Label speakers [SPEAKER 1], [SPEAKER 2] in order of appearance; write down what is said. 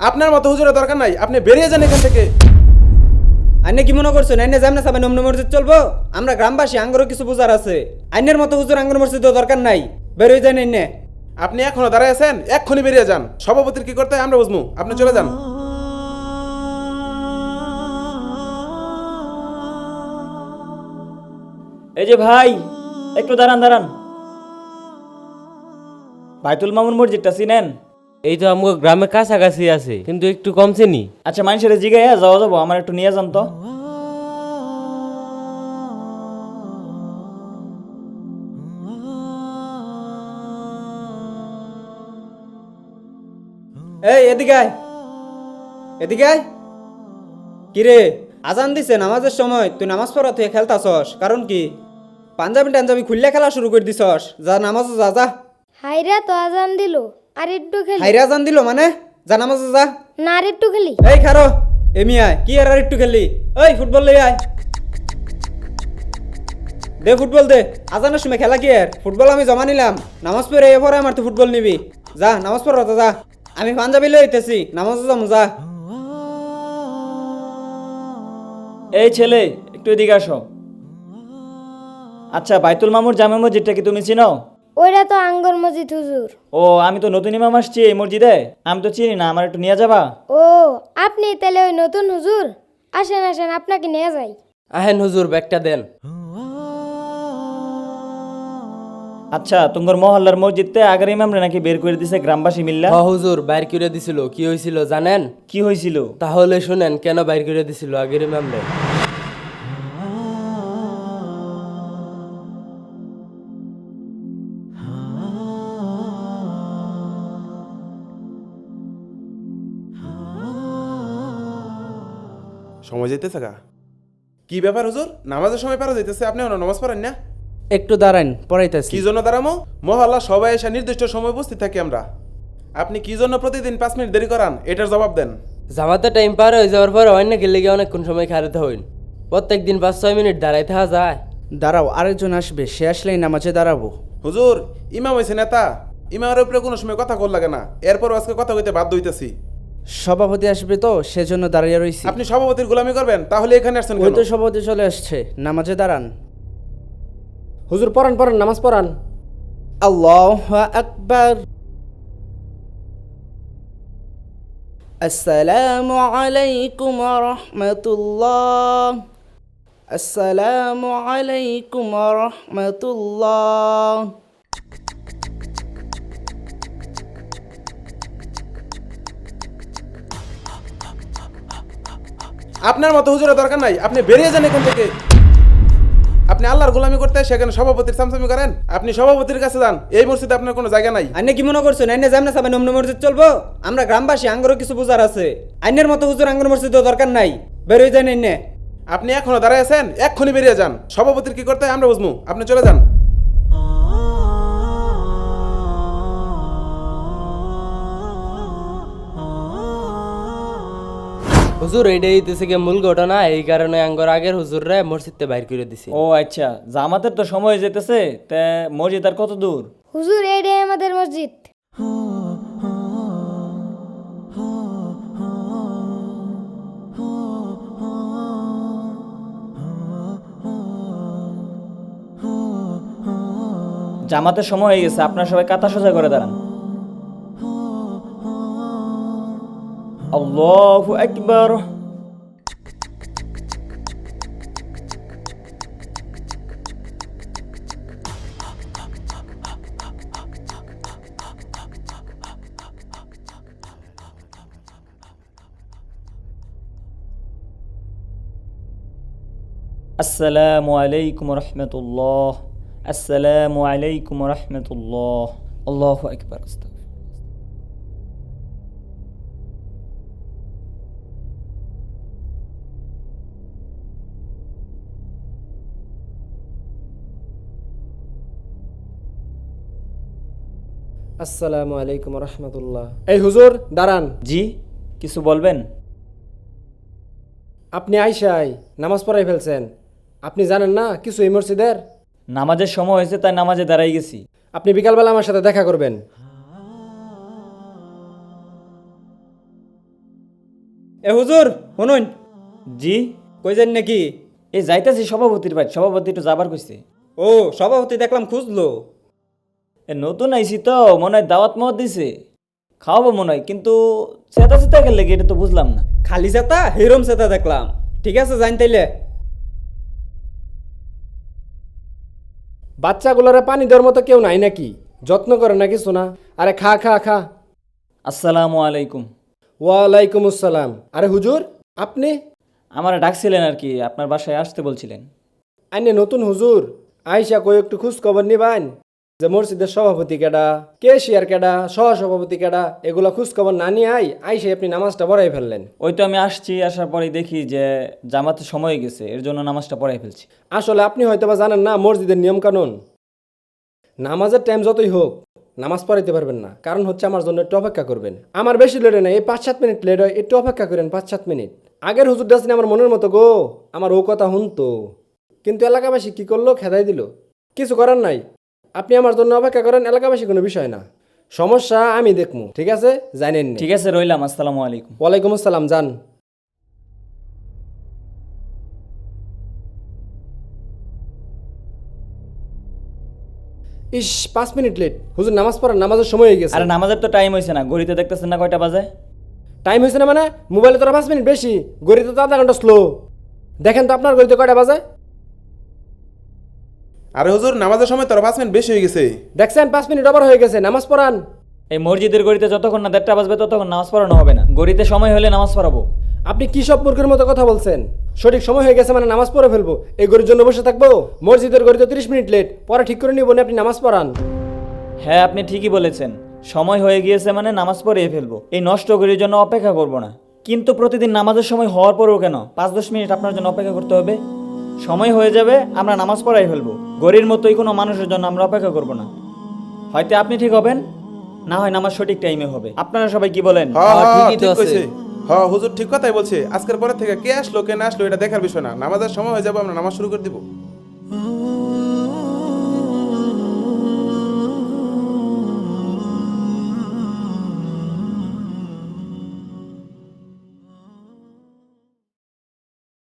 [SPEAKER 1] আপনার মতো হুজুরের দরকার নাই, আপনি বেরিয়ে যান এখান থেকে।
[SPEAKER 2] আইনে কি মনে করছেন আইনে যাম না সাবেন অমনি মসজিদ চলবো? আমরা গ্রামবাসী, আঙ্গরও কিছু বোঝার আছে। আইনের মতো হুজুর আঙ্গর মসজিদ দরকার নাই, বের হয়ে যান আইনে।
[SPEAKER 1] আপনি এখনো দাঁড়ায় আছেন, এক্ষুনি বেরিয়ে যান। সভাপতির কি করতে হয় আমরা বুঝবো, আপনি চলে যান।
[SPEAKER 3] এই যে ভাই, একটু দাঁড়ান দাঁড়ান। বাইতুল মামুন মসজিদটা চিনেন?
[SPEAKER 4] এই তো আমাকে গ্রামের কাছাকাছি আছে, কিন্তু একটু কম চিনি।
[SPEAKER 3] আচ্ছা, মানুষের জিগাইয়া যাওয়া যাবো, আমার একটু নিয়ে যান তো।
[SPEAKER 2] এই এদিকে আয়, এদিকে আয়। কিরে, আজান দিছে নামাজের সময়, তুই নামাজ পড়া তুই খেলতাছস, কারণ কি? পাঞ্জাবি টাঞ্জাবি খুললে খেলা শুরু করে দিছস, যা নামাজ যা যা।
[SPEAKER 5] হাইরা তো আজান দিল, আর একটু খেলি।
[SPEAKER 2] হাইরে আজান দিল মানে? যা নামাজ যা।
[SPEAKER 5] না, আর একটু খেলি।
[SPEAKER 2] এই খারো, এমি আয়, কি আর একটু খেললি? ওই ফুটবল লই আয়, দে ফুটবল দে। আজানের সময় খেলা কি আর? ফুটবল আমি জমা নিলাম, নামাজ পড়ে এরপরে আমার তো ফুটবল নিবি। যা নামাজ পড় যা। আমি পাঞ্জাবি লই হইতেছি, নামাজ যাম যা।
[SPEAKER 3] এই ছেলে, একটু এদিকে আসো। আচ্ছা, বাইতুল মামুর জামে মসজিদটা কি তুমি চিনো?
[SPEAKER 5] ওইটা তো আঙ্গর মসজিদ হুজুর।
[SPEAKER 3] ও, আমি তো নতুন ইমাম আসছি এই মসজিদে, আমি তো চিনি না, আমার একটু নিয়ে যাবা?
[SPEAKER 5] ও, আপনি তাহলে ওই নতুন হুজুর? আসেন আসেন, আপনাকে নিয়ে যাই।
[SPEAKER 4] আহেন হুজুর, ব্যাগটা দেন।
[SPEAKER 3] আচ্ছা, তোমার মহল্লার মসজিদতে আগের ইমামরে নাকি বের করে দিছে গ্রামবাসী মিল্লা।
[SPEAKER 4] হুজুর, বাইর করে দিছিল। কি হয়েছিল জানেন?
[SPEAKER 3] কি হয়েছিল?
[SPEAKER 4] তাহলে শুনেন কেন বাইর করে দিছিল আগের ইমামরে।
[SPEAKER 1] সময় যেতেছে গা। কি ব্যাপার হুজুর, নামাজের সময় পারা যাইতেছে, আপনি নামাজ পড়েন না?
[SPEAKER 2] একটু দাঁড়ান, পড়াইতেছি।
[SPEAKER 1] কি জন্য দাঁড়ামো? মহল্লা সবাই এসে নির্দিষ্ট সময় উপস্থিত থাকি আমরা। আপনি কি জন্য প্রতিদিন 5 মিনিট দেরি করান, এটার জবাব দেন।
[SPEAKER 4] জামাতে টাইম পার হয়ে যাওয়ার পর অন্য গেলে গিয়ে অনেকক্ষণ সময় খাড়াতে হইন। প্রত্যেক দিন 5-6 মিনিট দাঁড়াই থাকা যায়।
[SPEAKER 2] দাঁড়াও, আরেকজন আসবে, সে আসলেই নামাজে দাঁড়াবো।
[SPEAKER 1] হুজুর, ইমাম হয়েছে নেতা, ইমামের উপরে কোনো সময় কথা কল লাগে না, এরপর আজকে কথা কইতে বাধ্য হইতেছি।
[SPEAKER 2] সভাপতি আসবে তো সেজন্য দাঁড়িয়ে রইছি।
[SPEAKER 1] আপনি সভাপতির গোলামি করবেন, তাহলে এখানে আসছেন
[SPEAKER 2] ওই
[SPEAKER 1] কেন?
[SPEAKER 2] তো সভাপতি চলে আসছে, নামাজে দাঁড়ান।
[SPEAKER 6] হুজুর পড়ান পড়ান, নামাজ পড়ান।
[SPEAKER 2] আল্লাহু আকবার। আসসালামু আলাইকুম ওয়া রাহমাতুল্লাহ। আসসালামু আলাইকুম ওয়া রাহমাতুল্লাহ।
[SPEAKER 1] আপনার মতো হুজুরের দরকার নাই, আপনি বেরিয়ে যান এখান থেকে। আপনি আল্লাহর গোলামি করতে সেখানে সভাপতির চামচামি করেন। আপনি সভাপতির কাছে যান, এই মসজিদে আপনার কোনো জায়গা নাই।
[SPEAKER 2] আইনে কি মনে করছেন আইনে যাম না সাবেন অমনি মসজিদ চলবো? আমরা গ্রামবাসী, আঙ্গরও কিছু বোঝার আছে। আইনের মতো হুজুর আঙ্গর মসজিদ দরকার নাই, বের হয়ে যান আইনে।
[SPEAKER 1] আপনি এখনো দাঁড়ায় আছেন, এক্ষুনি বেরিয়ে যান। সভাপতির কি করতে হয় আমরা বুঝবো, আপনি চলে যান।
[SPEAKER 4] হুজুর, এইটাই হইতেছে গিয়ে মূল ঘটনা। এই কারণে আঙ্গর আগের হুজুররা মসজিদতে বাইর করে দিছে।
[SPEAKER 3] ও আচ্ছা, জামাতের তো সময় যেতেছে, তা মসজিদ আর কত দূর?
[SPEAKER 5] হুজুর, এইটাই আমাদের মসজিদ।
[SPEAKER 3] জামাতের সময় হয়ে গেছে, আপনার সবাই কাতা সোজা করে দাঁড়ান। আল্লাহু আকবার। আসসালামু আলাইকুম রহমতুল্লাহ। আসসালামু আলাইকুম রহমতুল্লাহ। আল্লাহু আকবার।
[SPEAKER 6] আসসালামু আলাইকুম রহমতুল্লাহ। এই হুজুর দাঁড়ান।
[SPEAKER 3] জি, কিছু বলবেন?
[SPEAKER 6] আপনি আইসাই নামাজ পড়াই ফেলছেন, আপনি জানেন না কিছু এই মসজিদের?
[SPEAKER 3] নামাজের সময় হয়েছে, তাই নামাজে দাঁড়াই গেছি।
[SPEAKER 6] আপনি বিকালবেলা আমার সাথে দেখা করবেন।
[SPEAKER 2] এ হুজুর শুনুন,
[SPEAKER 3] জি,
[SPEAKER 2] কই যান নাকি?
[SPEAKER 3] এই যাইতেছি সভাপতির বাড়ি, সভাপতি একটু যাবার কইছে।
[SPEAKER 2] ও সভাপতি দেখলাম খুঁজলো।
[SPEAKER 3] এ নতুন আইছি তো, মনে হয় দাওয়াত মত দিছে, খাওয়াবো মনে হয়, কিন্তু চেতা চেতা গেলে এটা তো বুঝলাম না।
[SPEAKER 2] খালি চেতা হিরম চেতা দেখলাম। ঠিক আছে জান তাইলে।
[SPEAKER 6] বাচ্চাগুলোরে পানি দেওয়ার মতো কেউ নাই নাকি? যত্ন করে না কিছু না? আরে খা খা খা।
[SPEAKER 3] আসসালামু আলাইকুম।
[SPEAKER 6] ওয়ালাইকুম আসসালাম। আরে হুজুর, আপনি?
[SPEAKER 3] আমার ডাকছিলেন আর কি, আপনার বাসায় আসতে বলছিলেন।
[SPEAKER 6] আইনে নতুন হুজুর, আইসা কই একটু খোঁজ খবর নিবান যে মসজিদের সভাপতি কেডা, কেশিয়ার কেডা, সহসভাপতি কেডা, এগুলা খোঁজ খবর না নিয়ে আইসে আপনি নামাজটা পড়াই ফেললেন।
[SPEAKER 3] ওই তো আমি আসছি, আসার পরেই দেখি যে জামাতে সময় হয়ে গেছে, এর জন্য নামাজটা পড়াই ফেলছি।
[SPEAKER 6] আসলে আপনি হয়তো বা জানেন না মসজিদের নিয়ম কানুন। নামাজের টাইম যতই হোক নামাজ পড়াইতে পারবেন না, কারণ হচ্ছে আমার জন্য একটু অপেক্ষা করবেন। আমার বেশি লেট হয় না, এই 5-7 মিনিট লেট হয়, একটু অপেক্ষা করেন 5-7 মিনিট। আগের হুজুর ডাসনি আমার মনের মতো গো, আমার ও কথা শুনতো, কিন্তু এলাকাবাসী কি করলো, খেদাই দিল। কিছু করার নাই, আপনি আমার জন্য অপেক্ষা করেন, এলাকাবাসী কোনো বিষয় না, সমস্যা আমি দেখবো। ঠিক আছে, জানেন?
[SPEAKER 3] ঠিক আছে, রইলাম। আসসালামু আলাইকুম।
[SPEAKER 6] ওয়ালাইকুম আসসালাম, যান। ইস 5 মিনিট লেট। হুজুর নামাজ পড়ার, নামাজের সময় হয়ে গেছে।
[SPEAKER 3] আরে নামাজের তো টাইম হয়েছে না, ঘড়িতে দেখতেছেন না কয়টা বাজে?
[SPEAKER 6] টাইম হয়েছে না মানে? মোবাইলে তোরা 5 মিনিট বেশি, গড়িতে তো আধা ঘন্টা স্লো। দেখেন তো আপনার গড়িতে কয়টা বাজে?
[SPEAKER 1] আরে হুজুর নামাজের সময় তোর 5 মিনিট বেশি হয়ে গেছে।
[SPEAKER 6] দেখছেন 5 মিনিট ওভার হয়ে গেছে, নামাজ পড়ান।
[SPEAKER 3] এই মসজিদের গড়িতে যতক্ষণ না 1:30 বাজবে ততক্ষণ নামাজ পড়ানো হবে না, গড়িতে সময় হলে নামাজ পড়াবো।
[SPEAKER 6] আপনি কি সব মূর্খের মতো কথা বলছেন? সঠিক সময় হয়ে গেছে মানে নামাজ পড়ে ফেলবো, এই গড়ির জন্য বসে থাকবো? মসজিদের গড়িতে 30 মিনিট লেট, পরে ঠিক করে নিব না, আপনি নামাজ পড়ান।
[SPEAKER 3] হ্যাঁ, আপনি ঠিকই বলেছেন, সময় হয়ে গিয়েছে মানে নামাজ পড়িয়ে ফেলবো, এই নষ্ট ঘড়ির জন্য অপেক্ষা করব না। কিন্তু প্রতিদিন নামাজের সময় হওয়ার পরেও কেন 5-10 মিনিট আপনার জন্য অপেক্ষা করতে হবে? সময় হয়ে যাবে, আমরা নামাজ পড়াই ফেলবো, ঘড়ির মতোই কোনো মানুষের জন্য আমরা অপেক্ষা করব না। হয়তো আপনি ঠিক হবেন, না হয় নামাজ সঠিক টাইমে হবে। আপনারা সবাই কি বলেন?
[SPEAKER 4] ঠিকই তো
[SPEAKER 1] ঠিক
[SPEAKER 4] আছে।
[SPEAKER 1] কইছে। হ্যাঁ হুজুর ঠিক কথাই বলছে। আজকের পরে থেকে কে আসলো কে না আসলো এটা দেখার বিষয় না, নামাজের সময় হয়ে যাবে আমরা নামাজ শুরু করে দিব।